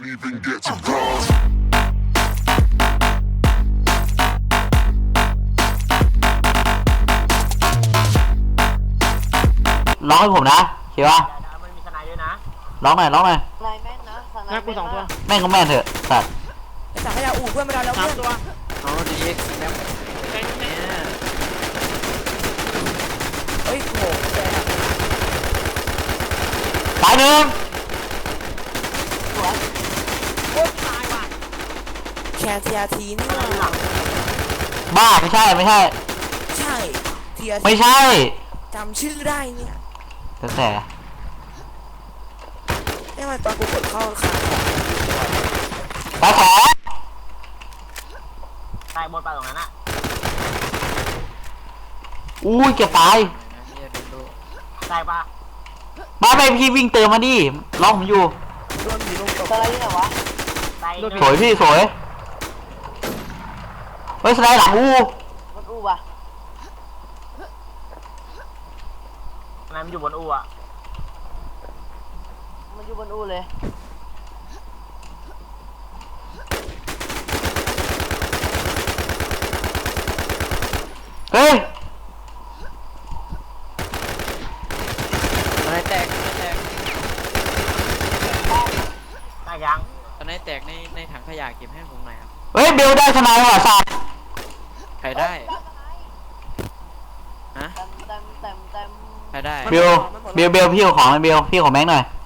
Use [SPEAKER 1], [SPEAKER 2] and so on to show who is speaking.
[SPEAKER 1] even get to cross.
[SPEAKER 2] ร้องให้ผมนะเขียวะ
[SPEAKER 3] มันมีสไนด์ด้วยนะ
[SPEAKER 2] ร้องหน่อย
[SPEAKER 4] นายแม่นนะสั่งนาย
[SPEAKER 3] กูสองตัว
[SPEAKER 2] แม่งก็แม่นเถอะสัตว์
[SPEAKER 5] ไอ้สังขยาอู่เพื่อนมาแล้ว
[SPEAKER 3] สาม
[SPEAKER 5] เพื่อน
[SPEAKER 3] ตัว
[SPEAKER 6] เอาดีเอ็กซ์แล้ว
[SPEAKER 3] แม่งแม่
[SPEAKER 5] เฮ้ยโหแก
[SPEAKER 2] ตายหนึ่ง
[SPEAKER 3] โอ้ตายว่ะ
[SPEAKER 5] แคร์ทีอาร์ทีนี่ว่า
[SPEAKER 2] บ้าไม่ใช่ไม่ใช่
[SPEAKER 5] ใช่ทีอาร์
[SPEAKER 2] ไม่ใช่
[SPEAKER 5] จำชื่อได้เนี่ย
[SPEAKER 2] แต่
[SPEAKER 5] ได้มาตอนกูกดเข้าขา
[SPEAKER 2] ตายแขน
[SPEAKER 3] ตายบนไปตรงนั้นอ่ะ
[SPEAKER 2] อุ้ยเกือบตาย
[SPEAKER 6] นะเฮียดูดู
[SPEAKER 3] ตายปะ
[SPEAKER 2] บ้าไปพี่วิ่งเติมมาดิร้องผมอยู่
[SPEAKER 5] โดนผีลงตก
[SPEAKER 4] สไลด์ที่ไหนวะ
[SPEAKER 3] ตาย
[SPEAKER 2] สวยพี่สวยเฮ้ยสไลด์หลังอู้
[SPEAKER 4] มันอูว่ะ
[SPEAKER 3] นายมันอยู่บนอู่อ่ะ
[SPEAKER 4] มันอยู่บนอูเลย
[SPEAKER 2] เฮ้ย
[SPEAKER 6] ตอนไหนแตกตอนไหนแตก
[SPEAKER 3] ตายยัง
[SPEAKER 6] ตอนไหนแตกในถังขยะเก็บให้ผมหน่อยครับ
[SPEAKER 2] เฮ้ยเบลได้ทนายว่ะสัตว์
[SPEAKER 6] ใครได้ฮะ
[SPEAKER 4] เต็ม
[SPEAKER 6] ใครได้
[SPEAKER 2] เบลพี่เอาของเลยเบลพี่ขอแม็กหน่อย